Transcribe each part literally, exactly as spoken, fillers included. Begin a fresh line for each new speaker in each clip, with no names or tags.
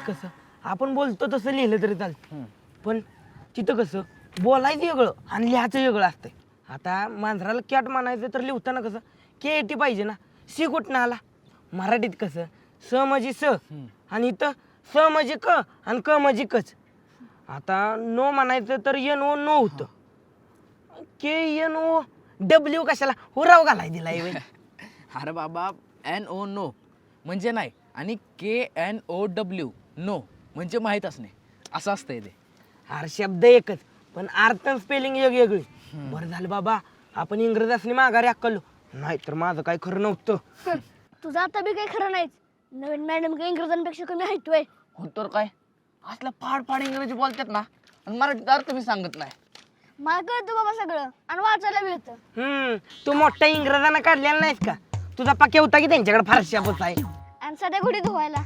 कसं आपण बोलतो तसं लिहिलं तरी चालतं, पण तिथं कसं बोलायचं वेगळं आणि लिहायचं वेगळं असतंय. आता मांजराला कॅट म्हणायचं तर लिहिताना कसं के टी पाहिजे ना, सी कुठनं आला. मराठीत कसं स म्हणजे स आणि इथं स म्हणजे क आणि क म्हणजे कच. आता नो म्हणायचं तर एन ओ नो होतं, के एन ओ डब्ल्यू कशाला हुराव घालाय दिलाय व्हय.
अरे बाबा एन ओ नो म्हणजे नाही आणि K N O W no म्हणजे माहीत असणे असं असतंय ते.
अरे शब्द एकच पण अर्थ स्पेलिंग वेगवेगळी. बरं झालं बाबा आपण इंग्रजी असणे माघारी अक्कलो, नाही तर माझं काय खरं नव्हतं.
तुझं आता बी काही खरं नाहीच. नवीन मॅडम काही इंग्रजांपेक्षा कमी ऐकतोय.
हो तर काय असलं फाड फाड इंग्रजी बोलतात ना आणि मराठीत अर्थ मी सांगत नाही.
मला कळतं बाबा सगळं आणि वाचायला बी येतं.
हम्म तू मोठ्या इंग्रजांना काढलेला नाहीस का? तुझा पक्या होता की त्यांच्याकडे फारशा पोच आहे.
आणि सध्या घोडी धुवायला.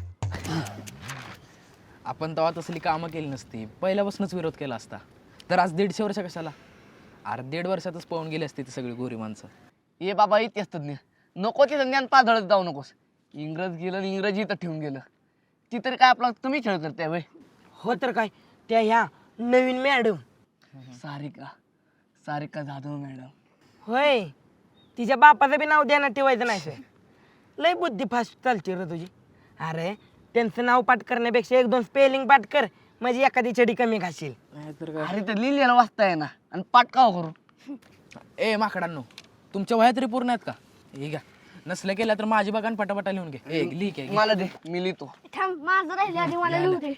आपण तेव्हा तसली कामं केली नसती, पहिल्यापासूनच विरोध केला असता तर आज दीडशे वर्ष कशाला. अरे दीड वर्षातच पळून गेली असती ती सगळी गोरी माणसं.
ये बाबा इतिहास तज्ञ नको ते ज्ञान पाधळत जाऊ नकोस. इंग्रज गेलं आणि इंग्रजी इथं ठेवून गेलं, ती तरी काय आपला कमी खेळ करते वय.
हो तर काय त्या ह्या नवीन मॅडम
सारिका सारिका जाधव मॅडम.
होय, तिच्या बापाचं बी नाव ध्यानात ठेवायचं नाही सर. लय बुद्धी फास्ट चालते रे तुझी. अरे त्यांचं नाव पाठ करण्यापेक्षा एक दोन स्पेलिंग पाठ कर म्हणजे एखादी छडी कमी घाशील.
नाहीतर काय.
अरे तर लिहिलेलं वाचता आहे ना आणि पाठ का करू.
ए माकडांनो, तुमच्या वह्या तरी पूर्ण आहेत का? हे घ्या, नसल्या केल्या तर माझी बघा पटापटा लिहून घे. ए लिह घे.
मला दे मी लिहितो.
थांब माझं राहिले आधी मला लिहू दे.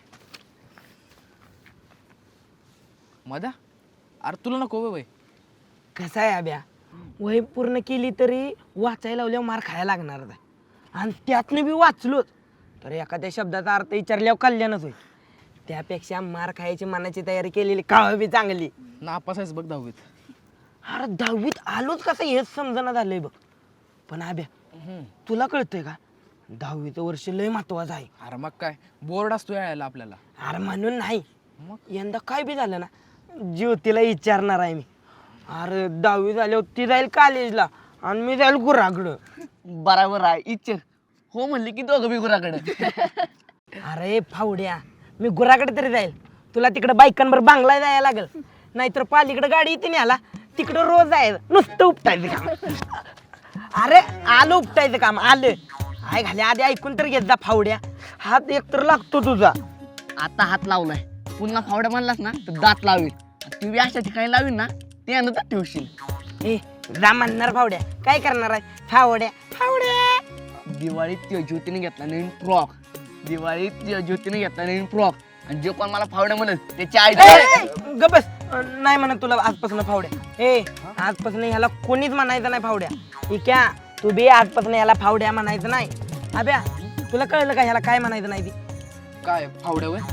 मधा अरे तुला नको वय.
कसं आहे अभ्या, वही पूर्ण केली तरी वाचायला लावल्यावर मार खायला लागणार आहे. आणि त्यातनं बी वाचलोच तर एखाद्या शब्दाचा अर्थ विचारल्यावर कल्याणच होईल. त्यापेक्षा मार खायची मनाची तयारी केलेली काळ बी चांगली.
नापास आहेस बघ दहावीत.
अरे दहावीत आलोच कसं हेच समजना झालंय बघ. पण अभ्या तुला कळतंय का, दहावीचं वर्ष लय महत्वाचं आहे.
अरे मग काय बोर्ड असतो यायला आपल्याला.
अरे म्हणून नाही,
मग
यंदा काय बी झालं ना ज्योतीला विचारणार आहे मी. अरे दहावी झाल्यावर ती जाईल कॉलेजला आणि मी जाईल गुराकडं.
बराबर आहे इच्छा हो म्हणली की दोघं बी गुराकडे.
अरे फावड्या, मी गुराकडे तरी जाईल, तुला तिकडे बायकांवर बांगला जायला लागल. नाहीतर पालीकडे गाडी येते न्याला, तिकडं रोज जायचं नुसतं उपटायचं काम. अरे आलं उपटायचं काम आलं. आय घाले आधी ऐकून तर घेत जा फावड्या, हात एकतर लागतो तुझा.
आता हात लावलाय पुन्हा फावड्या म्हणलास ना तर दात लावेल. ती बी अशा ठिकाणी लावील ना ते अनंतर ठेवशील.
ए जा म्हणणार फावड्या, काय करणार आहे फावड्या फावड्या.
दिवाळीत त्या ज्योतीने घेतला नवीन फ्रॉक. दिवाळीत त्या ज्योतीने घेतला नवीन फ्रॉक आणि जे कोण मला फावड्या म्हणत त्याची आई.
ग बस, नाही म्हणत तुला आजपासून फावड्या. ए आजपासून ह्याला कोणीच म्हणायचं नाही फावड्या. ठीक आहे, तू बी आजपासून ह्याला फावड्या म्हणायचं नाही. अभ्या तुला कळलं का ह्याला काय म्हणायचं नाही ती?
काय फावड्या वय.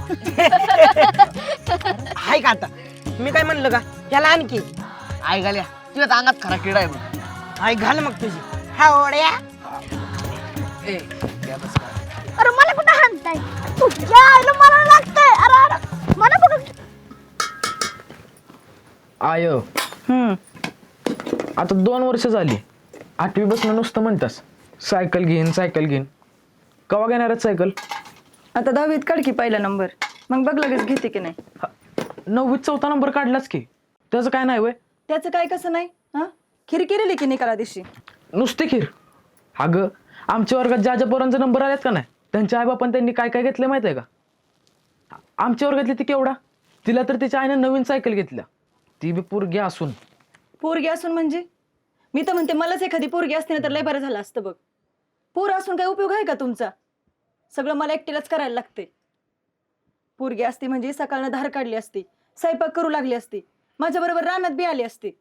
हाय का आता मी काय म्हणलं का ह्याला आणखी
आई घाल्या तुझ्या अंगात खरा किडा आहे बघ.
हाय घाल मग तुझी फावड्या.
ए द्या बस काय.
अरे मला कुठं हाणताय? तुझ्या आईला मला लागतंय. अरे अरे मला बघ.
आय आता दोन वर्ष झाली, आठवी बसणं नुसतं म्हणतास सायकल घेईन सायकल घेईन. कवा घेणार सायकल?
आता दहावीत काढ की पहिला नंबर, मग बघ लगेच घेते की नाही.
नववीत चौथा नंबर काढलाच की, त्याचं काय नाही वय.
त्याचं काय कसं नाही हा, खीर केलेली की निकाला दिवशी.
नुसती खीर? अगं आमच्या वर्गात ज्या ज्या पोरांचे नंबर आलेत का नाही त्यांच्या आईबापान त्यांनी काय काय घेतलं माहिती आहे का? आमच्या वर्गातली ती केवढा, तिला तर तिच्या आईने नवीन सायकल घेतल्या, ती बी पोरगी असून.
पोरगी असून म्हणजे? मी तर म्हणते मलाच एखादी पोरगी असते ना तर लय बरं झालं असतं बघ. पोर असून काय उपयोग आहे का तुमचा? सगळं मला एकटीलाच करायला लागते. पोरगी असती म्हणजे सकाळनं धार काढली असती, स्वयंपाक करू लागली असती, माझ्या बरोबर रानात बी आली असती.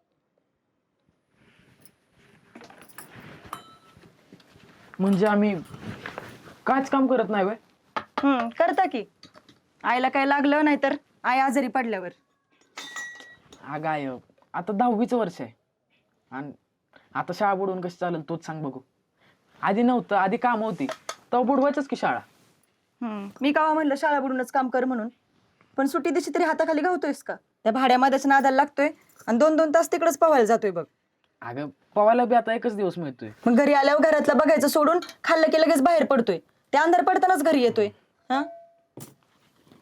म्हणजे आम्ही काहीच काम करत नाही वय.
हम्म करता की. आईला काय लागलं नाही तर आई आजारी पडल्यावर.
अगं आय आता दहावीचं वर्ष आहे आणि आता शाळा बुडवून कशी चालेल तोच सांग बघू. आधी नव्हतं, आधी काम होती तेव्हा बुडवायचंच की शाळा.
हम्म मी कावा म्हणलं शाळा बुडूनच काम कर म्हणून, पण सुट्टी दिवशी तरी हाताखाली गावतोयस का? त्या भाड्यामध्येच नादाला लागतोय आणि दोन दोन तास तिकडेच पवायला जातोय बघ.
अगं पवायला बी आता एकच दिवस मिळतोय.
मग घरी आल्यावर घरातलं बघायचं सोडून खाल्लं की लगेच बाहेर पडतोय. ते अंधार पडतानाच घरी येतोय. हा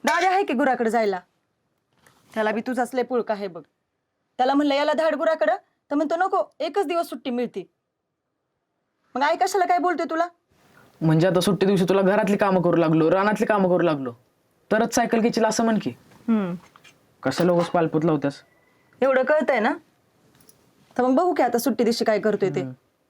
दादा आहे की गुराकडे जायला, त्याला बी तुझाच लय पुळका आहे बघ. त्याला म्हणलं याला धाड गुराकडं, तर म्हणतो नको, एकच दिवस सुट्टी मिळते. मग आई कशाला काय बोलतोय तुला?
म्हणजे आता सुट्टी दिवशी तुला घरातली कामं करू लागलो, रानातली कामं करू लागलो, तरच सायकल घेशील असं म्हण की.
हम्म
कशाला उगाच पालपूत लावत्यास?
एवढं कळतंय ना, तर मग बघू की आता सुट्टी दिवशी काय करतोय ते.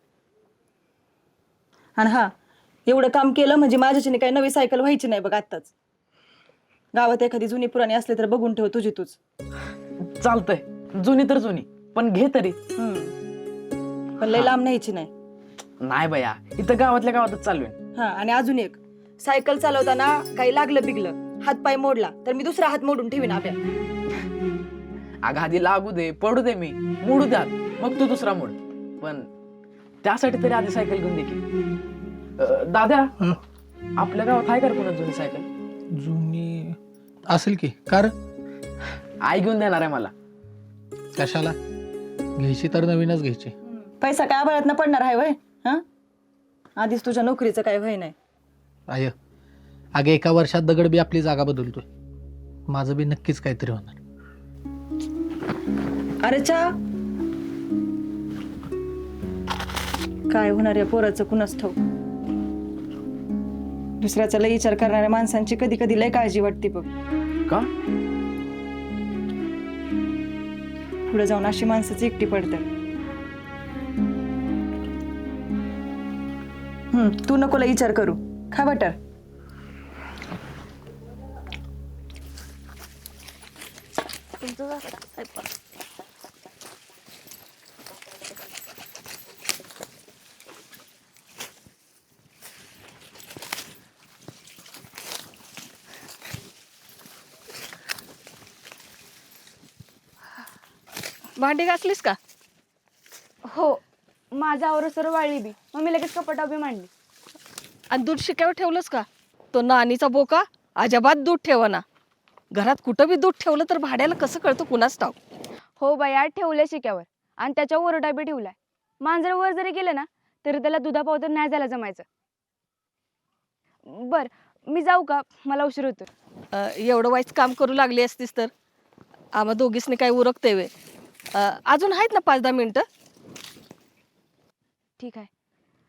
आणि हा, एवढं काम केलं म्हणजे माझ्याच्याने काही नवी सायकल व्हायची नाही बघ आत्ताच. गावात एखादी जुनी पुराणी असली तर बघून ठेव तुझी तूच.
चालतंय, जुनी तर जुनी, पण घे तरी.
हम्म पण लय लांब न्यायची नाही.
नाही बया, इथं गावातल्या गावातच चालू आहे.
हा, आणि अजून एक, सायकल चालवताना काही लागलं बिगलं, हात पाय मोडला तर मी दुसरा हात मोडून ठेवीन आब्या.
अगं आधी लागू दे, पडू दे, मी मोडू द्यात, मग तू दुसरा मोड. पण त्यासाठी तरी आधी सायकल घेऊन दे की. अं, दादा, आपल्या गावात आहे का रे कोणा जुनी सायकल?
जुनी असेल की, कार
आई घेऊन देणार आहे मला.
कशाला घ्यायची तर नवीनच घ्यायची.
पैसा काय आभाळात पडणार आहे वय? हा, आधीच तुझ्या नोकरीचं काय वय नाही.
आय अगे एका वर्षात दगड बी आपली जागा बदलतोय. माझं बी नक्कीच काहीतरी होणार.
अरे चा, काय होणार या पोराचं कुणास ठाऊक. दुसऱ्याचा लय विचार करणाऱ्या माणसांची कधी कधी लय काळजी वाटते बघ.
का?
पुढे जाऊन अशी माणसाची एकटी पडतात. हम्म तू नको लय विचार करू, खा बटर.
भांडी घासलीस का?
हो, माझा आवरं सर्व वाळली बी, मग मी लगेच कपाटा बी मांडली.
आणि दूध शिक्यावर ठेवलंस का? तो नानीचा बोका अजिबात दूध ठेवना. घरात कुठं बी दूध ठेवलं तर भाड्याला कसं कळतं कुणाच ठाऊक.
हो बाया, ठेवलंय शिक्यावर आणि त्याच्या ओरडा बी ठेवलाय. मांजर वर जरी गेलं ना तरी त्याला दुधा पावडर नाही जायला जमायचं. बर, मी जाऊ का? मला उशीर होतो.
अं, एवढं वाईट काम करू लागली असतीस तर आम्हा दोघीसनी काय उरकते वे. अं, अजून आहेत ना पाच दहा मिनिटं.
ठीक आहे.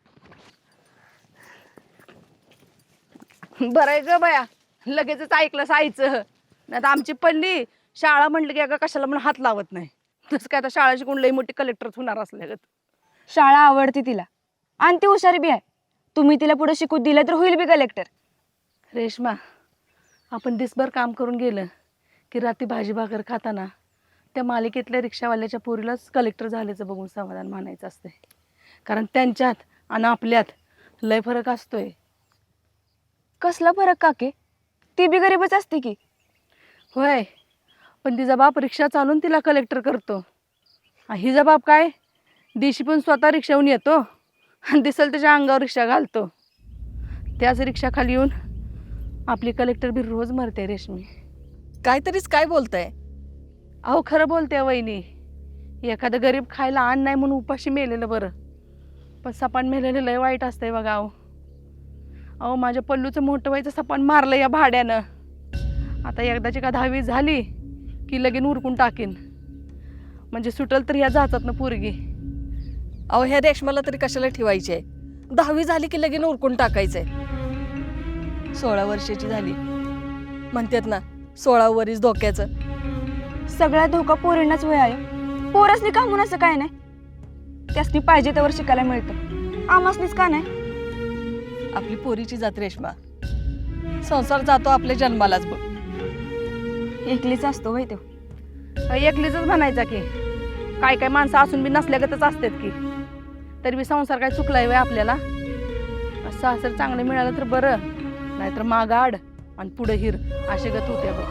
बरं आहे ग बया, लगेचच ऐकलं आईचं. नाही तर आमची पल्ली शाळा म्हटलं की अगं कशाला म्हणून हात लावत नाही. तसं काय आता शाळा शिकून लई मोठी कलेक्टर होणार असल्या.
शाळा आवडते तिला आणि ती हुशारी बी आहे. तुम्ही तिला पुढे शिकू दिलं तर होईल बी कलेक्टर.
रेश्मा, आपण दिसभर काम करून गेलं की रात्री भाजी भाकर खाताना त्या मालिकेतल्या रिक्षावाल्याच्या पोरीलाच कलेक्टर झाल्याचं बघून समाधान मानायचं असते. कारण त्यांच्यात आणि आपल्यात लय फरक असतोय.
कसला फरक काके? ती बी गरीबच असते की.
होय, पण तिचा बाप रिक्षा चालून तिला कलेक्टर करतो. आणि हिचा बाप काय, दिवशी पण स्वतः रिक्षाहून येतो आणि दिसेल त्याच्या अंगावर रिक्षा घालतो. त्याच रिक्षा खाली येऊन आपली कलेक्टर बी रोज मरते. रेशमी, काहीतरीच काय बोलताय? अहो खरं बोलते वहिनी. एखादं गरीब खायला अन्न नाही म्हणून उपाशी मेलेलं बरं, पण सपान मेलेलं लय वाईट असतंय बघा. अहो अहो माझ्या पल्लूचं मोठं व्हायचं सपान मारलं या भाड्यानं. आता एकदाची का दहावी झाली की लगीन उरकून टाकीन. म्हणजे सुटल तर या जाचातनं पोरगी. अहो ह्या रेशमाला तरी कशाला ठेवायची आहे? दहावी झाली की लगीन उरकून टाकायचंय. सोळा वर्षाची झाली म्हणतात ना, सोळा वरीस धोक्याचं.
सगळा धोका पोरींनाच वय आहे. पोरसनी का म्हणून असं काय नाही? त्यासनी पाहिजे त्यावर शिकायला मिळतं, आमासनीच का नाही?
आपली पोरीची जात रेशमा. संसार जातो आपल्या जन्मालाच बघ.
एकलीच असतो वय तो.
एकलीच म्हणायचा की काय काय माणसं असून बी नसल्यागतच असतात की. तरी बी संसार काय चुकलाय वय आपल्याला. सासर चांगलं मिळालं तर बरं, नाहीतर मागाड आणि पुढे हिर असे गत होते बघ.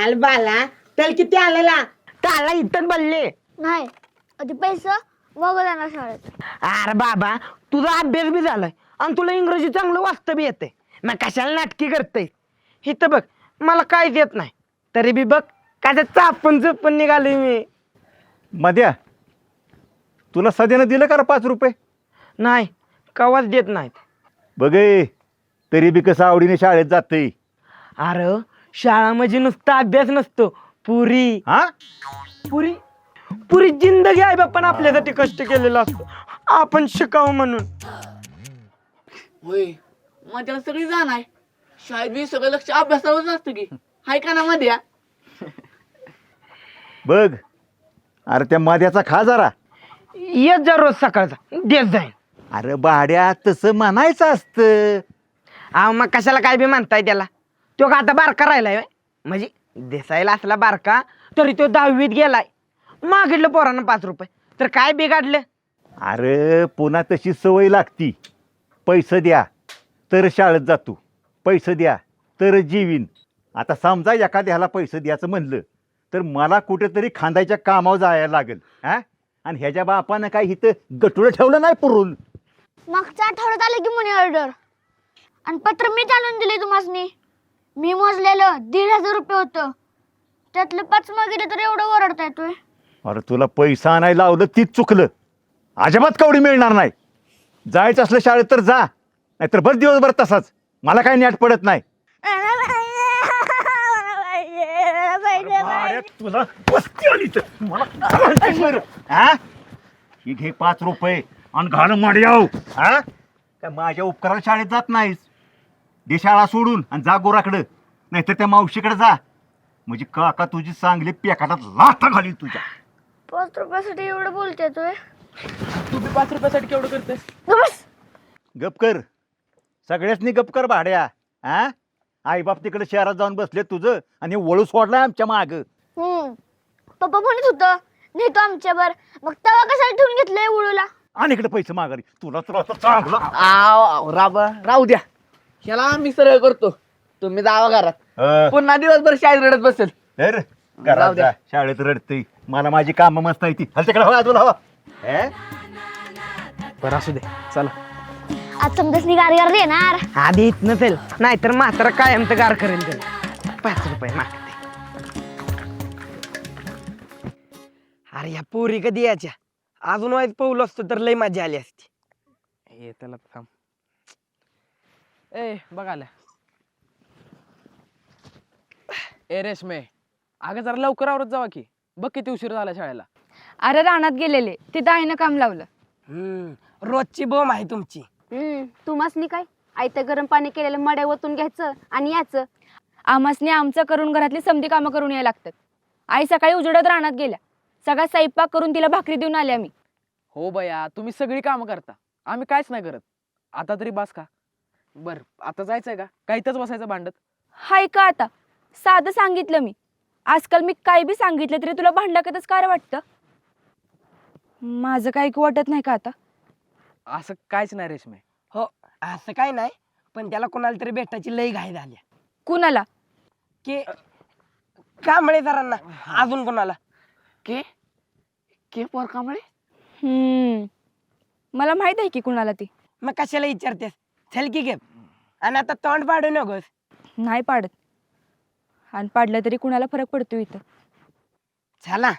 आल बाला त्याला किती आलेला त्याला इथं बोलले.
नाही आधी पैसा मग जाणार शाळेत.
अरे बाबा तुझा अभ्यास बी झालाय आणि तुला इंग्रजी चांगलं वाचतं बी येते मग कशाला नाटकी करते. इथं बघ मला काहीच येत नाही तरी बी बघ काय चापून चुपून निघालोय मी.
मध्या तुला सध्यानं दिलं का रे पाच रुपये?
नाही कवाच देत नाहीत.
बघे तरी बी कसं आवडीने शाळेत जाते.
अरे शाळा म्हणजे नुसता अभ्यास नसतो पुरी
हा
पुरी पुरी जिंदगी आहे बाप्पा आपल्यासाठी कष्ट केलेलं असतं आपण शिकावं म्हणून.
होय मग त्याला सगळी जाण आहे शाळेत बी सगळं लक्ष अभ्यासावरच असतं की हाय का ना मध्ये.
बघ अरे त्या मध्याचा खा जरा.
येत जा रोज सकाळचा देत जाईन.
अरे भाड्या तसं म्हणायचं असतं.
अहो मग कशाला काय बी म्हणताय त्याला. तो का आता बारका राहिलाय व्हय? म्हणजे दिसायला असला बारका तरी तो दहावीत गेलाय. मागितलं पोरानं पाच रुपये तर काय बिघाडलं.
अरे पुन्हा तशी सवय लागती. पैसे द्या तर शाळेत जातो, पैसे द्या तर जीवीन. आता समजा एखाद्याला पैसे द्यायचं म्हणलं तर मला कुठेतरी खांदायच्या कामावर जायला लागेल. हा आणि ह्याच्या बापानं काय इथं गटुळं ठेवलं नाही पुरून.
मागच्या आठवड्यात आले की मनी ऑर्डर आणि पत्र मी आणून दिले तुम्हाला. मी मोजलेलं दीड हजार रुपये होतं त्यातलं पाच मागितलं तर एवढं ओरडता येतोय.
अरे तुला पैसा आणायला लावलं तीच चुकलं. अजिबात कवडी मिळणार नाही. जायचं असलं शाळेत तर जा नाहीतर बस दिवसभर तसाच. मला काही नॅट पडत नाही. अरे तुला पस्ती आली तर मला काय म्हणतेस बरं? हा ही घे पाच रुपये आणि घाल माड्याव. हा काय माझ्या उपकाराला शाळेत जात नाहीस. दे शाळा सोडून आणि जा गोराकडं नाहीतर त्या मावशीकडे जा. म्हणजे काका तुझी चांगली पेकाटात लाथा घालील तुझ्या.
पाच रुपयासाठी एवढं बोलते येतोय.
तू बी पाच रुपयासाठी केवढं करतेस?
बस
गप कर. सगळ्यासनी गप कर भाड्या. हा आई बाप तिकडे शहरात जाऊन बसले तुझं आणि वळू सोडलाय आमच्या माग.
हम्म पप्पा म्हणत होतं नेतो आमच्यावर मग तवा कशाला ठेवून घेतलंय उडूला.
आणि इकडे पैसे मागारी तुला तर असं चांगलं.
आव आव, राबा राहू द्या ह्याला आम्ही सरळ करतो. तुम्ही जावा घरात
अं,
पुन्हा दिवसभर शाळेत रडत बसेल.
तर
राहू
घरात
द्या.
जा. शाळेत रडते मला माझी कामं मस्त आहे ती. हल तिकडे हवा तुला हवा. हे?
बरं असू दे चला.
आज समजासनी गारगार देणार.
आधी येत नसेल नाहीतर मात्र कायम तर गार करेल त्याला. पाच रुपये मागते. अरे या पोरी कधी याच्या अजून वाईट पाऊल असतो तर लय मजा आली असती.
ये त्याला थांब. ए बघाल्या ए रेशमे अगं जरा लवकर आवरत जावा की. बघ किती उशीर झाला शाळेला.
अरे रानात गेलेले तिथं आईनं काम लावलं.
हम्म रोजची बोंब आहे तुमची.
हम्म तुम्हासनी काय आयतं गरम पाणी केलेलं मड्या ओतून घ्यायचं आणि याचं.
आमासने आमचं करून घरातली समधी कामं करून यायला लागतात. आई सकाळी उजेडत रानात गेल्या. सगळा स्वयंपाक करून तिला भाकरी देऊन आले आम्ही.
हो बया तुम्ही सगळी कामं करता आम्ही काहीच नाही करत. आता तरी बास का. बर आता जायचंय का काय इथंच बसायचं भांडत.
हाय का आता साधं सांगितलं मी. आजकाल मी काय बी सांगितलं तरी तुला भांडलाकतच काय वाटतं. माझं काय वाटत नाही का आता.
असं काहीच नाही रेशमे.
हो असं काय नाही पण त्याला कोणाला तरी भेटायची लई घाई झाली.
कुणाला.
की कांबळे सरांना. अजून कोणाला.
के के पोर कांबळे.
हम्म मला माहित आहे की कुणाला ती.
मग कशाला विचारतेस. चल की घे आणि आता तोंड पाडू नकोस.
नाही पाडत आणि पाडलं तरी कुणाला फरक पडतो इथं.
चला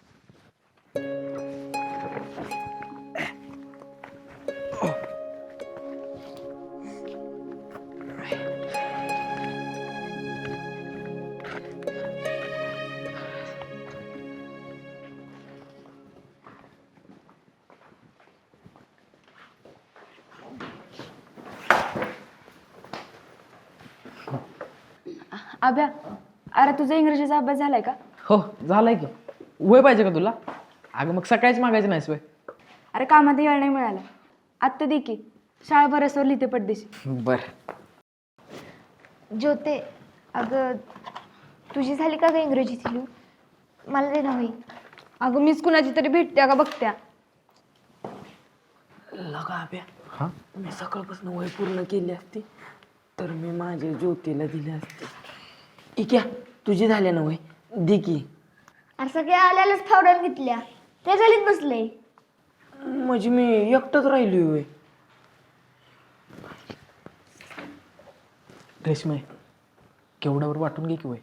अभ्या अरे तुझा इंग्रजीचा अभ्यास झालाय का.
हो झालाय की. वय पाहिजे का तुला. अगं मग सकाळीच मागायचं नाहीस वय.
अरे कामात येळ नाही मिळाला. आत्ता दे की शाळा बरसवर लिहिते पडदेशी.
बर
ज्योते अगं तुझी झाली का ग इंग्रजीची लिहून. मला दे ना होई.
अगं मीच कुणाची तरी भेटत्या का बघत्या.
लगा अभ्या मी सकाळपासून वय पूर्ण केली असती तर मी माझ्या ज्योतीला दिली असते. इक्या तुझी झाले ना वय दे की.
अरे सगळे आल्यालाच फावड्यात घेतल्या ते गलीत बसले.
म्हणजे मी एकटंच राहिलोय होय.
रेशमे केवढ्यावर वाटून घे की वय.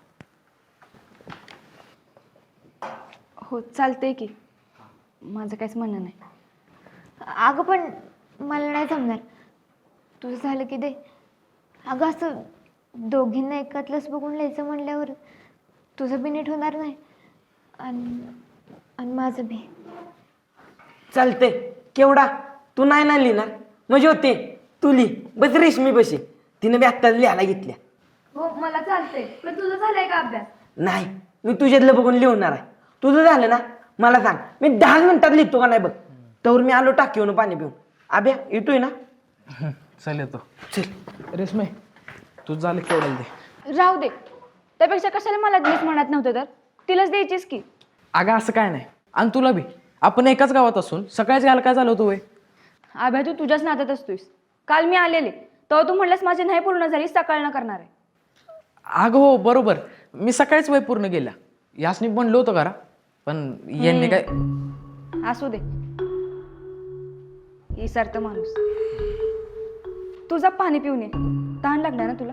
हो चालतंय की, माझं काहीच म्हणणं नाही.
अगं पण मला नाही जमणार. तुझं झालं की दे. अगं असं दोघींना एकातलंच बघून लिहायचं म्हणल्यावर तुझं बी नीट होणार नाही आणि आणि माझं बी.
चालतंय. केवढा तू नाही ना लिहिणार म्हणजे होते तू लिही. बस रेशमी बशी तिनं बी आत्ताच लिहायला घेतल्या.
हो मला चालतंय, पण तुझं झालंय का अभ्यास?
नाही मी तुझ्यातलं बघून लिहणार आहे. तुझं झालं ना मला सांग, मी दहा मिनिटात लिहितो का नाही बघ. तर मी आलो टाकीवरून पाणी पिऊन. आब्या येतोय ना?
चल येतो.
चल.
रेशमे तू झालं केवढ्याला दे.
राहू दे, त्यापेक्षा कशाला मला मीच म्हणत नव्हतं तर तिलाच द्यायचीस की.
अगं असं काय नाही. आणि तुला बी आपण एकाच गावात असून सकाळीच घ्यायला काय झालं होतं वय.
आभ्या तू तुझ्याच नात्यात असतोयस. काल मी आलेले तेव्हा तू म्हणलास माझी नाही पूर्ण झाली, सकाळ न करणार आहे.
अगं हो बरोबर, मी सकाळीच वय पूर्ण केल्या. यासनी म्हणलो होतं करा पण यांनी काय.
असू दे, इसरत माणूस. तुझा पाणी पिऊन ये, तहान लागणार ना तुला.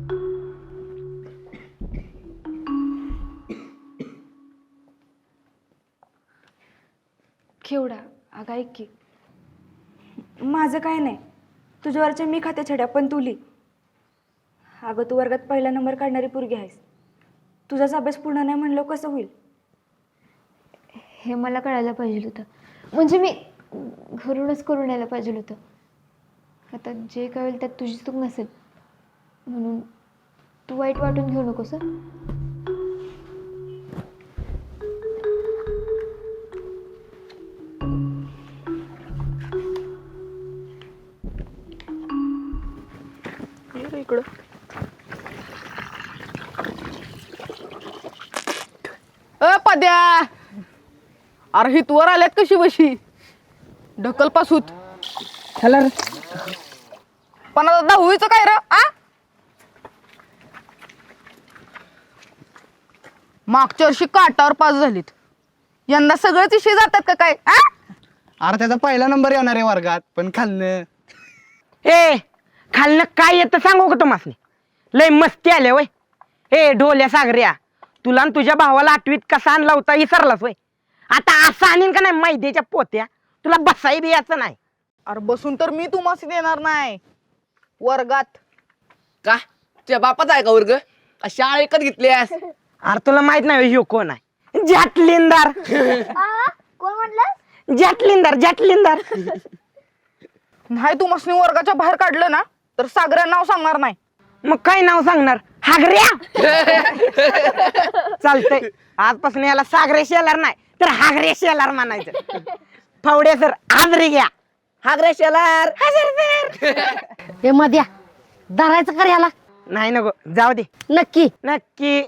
केवढा अगं ऐक की, माझं काय नाही, तुझ्यावरच्या मी खाते छड्या पण तू लिही. अगं तू वर्गात पहिला नंबर काढणारी पोरगी आहेस. तुझाच अभ्यास पूर्ण नाही म्हणलं कसं होईल.
हे मला कळायला पाहिजे होतं. म्हणजे मी घरूनच करून यायला पाहिजे होतं. आता जे काय होईल त्यात तुझी चूक नसेल म्हणून तू वाईट वाटून घेऊ नकोस हं.
इकडं अ पद्या, अरे हित वर आल्यात कशी बशी ढकल पासूत.
चला रे.
पण आता दहावीचं काय र आ? मागच्या वर्षी काटावर पास झालीत, यंदा सगळेच विषय जातात का काय आ?
अरे त्याचा पहिला नंबर येणार आहे वर्गात, पण खाल्लं.
ए खालनं काय येतं सांगू का तुम्हाला? लय मस्ती आल्या वय. ए ढोल्या सागऱ्या, तुला आणि तुझ्या भावाला आठवीत कसा आणला होता विसरलास वय. आता असं आणीन का नाही मैद्याच्या पोत्या, तुला बसाई बी याचं नाही.
अरे बसून तर मी तुम्हाला देणार नाही वर्गात.
का तुझ्या बापाचा आहे का वर्ग? का शाळा एकच घेतलीस?
अरे तुला माहित नाही ह्यो कोण आहे? जॅटलिंदार.
आ, कोण म्हटलं?
जॅटलिंदार जॅटलिंदार.
नाही तुम्हाला वर्गाच्या बाहेर काढलं ना तर सागऱ्या नाव सांगणार नाही.
मग काय नाव सांगणार? हागऱ्या. चालतंय, आजपासून याला सागरे शेलार नाही तर हागरे शेलार म्हणायचं. फावड्या सर हाजरी घ्या. हागरे शेलार हजर सर.
हे मध्या धरायचं कर याला.
नाही नको जाऊ दे.
नक्की
नक्की.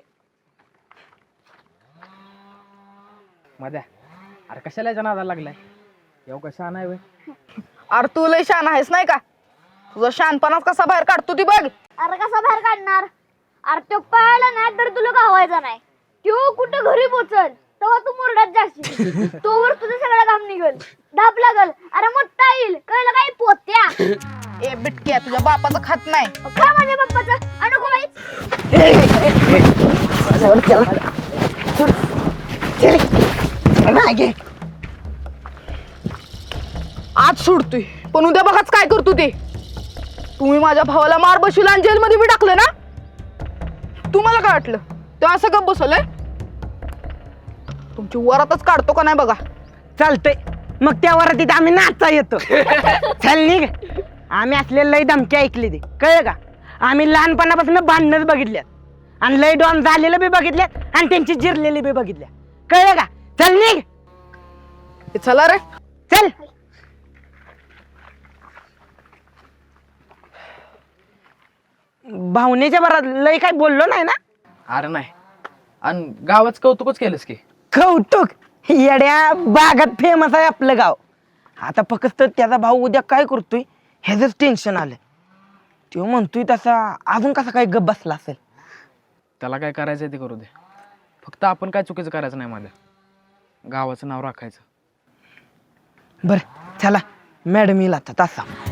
मध्या अरे कशाला याच्या नादाला लागलाय? येऊ कशा नाही वय.
अरे तू लय शान आहेस नाही का? तुझा शानपणाच कसा बाहेर काढतो ती बघ.
अरे कसा बाहेर काढणार? अरे तो पळाला नाही तर तुला गावायचा नाही. तो कुठं घरी पोचल तेव्हा तू मुरड्यात जाशील. तोवर तुझं सगळं काम निघल, धाप लागल. अरे मोठा येईल, कळलं काय पोत्या?
ए बिटक्या, तुझ्या बापाचं खात नाही.
खा माझ्या पप्पाचं अनको बाईच.
आज सोडतोय पण उद्या बघाच काय करतो ते. तुम्ही माझ्या भावाला मार बशील आणि जेलमध्ये बी टाकलं ना. तुम्हाला काय वाटलं ते असं गप बसवलंय? तुमची वरातच काढतो का नाही बघा.
चालतंय, मग त्या वरातीत आम्ही नाचा येतो. चल निघ. आम्ही असले लय धमकी ऐकली ते कळलं का? आम्ही लहानपणापासून भांडणच बघितल्यात आणि लय डॉन झालेलं बी बघितल्यात आणि त्यांची जिरलेली बी बघितल्या. कळलं का? चल निघ.
हे चला रे.
चल. भावनेच्या भरात लय काय बोललो नाही ना.
अरे नाही, आणि गावाच कौतुकच केलंस की.
कौतुक. येड्या बागात फेमस आहे आपलं गाव. आता फक्त त्याचा भाऊ उद्या काय करतोय ह्याच टेन्शन आलं. तो म्हणतोय तसा अजून कसा काय गप बसला असेल.
त्याला काय करायचंय ते करू दे. फक्त आपण काय चुकीचं करायचं नाही माझ्या गावाचं नाव राखायचं.
बरं चला मॅडम येईल आता तासा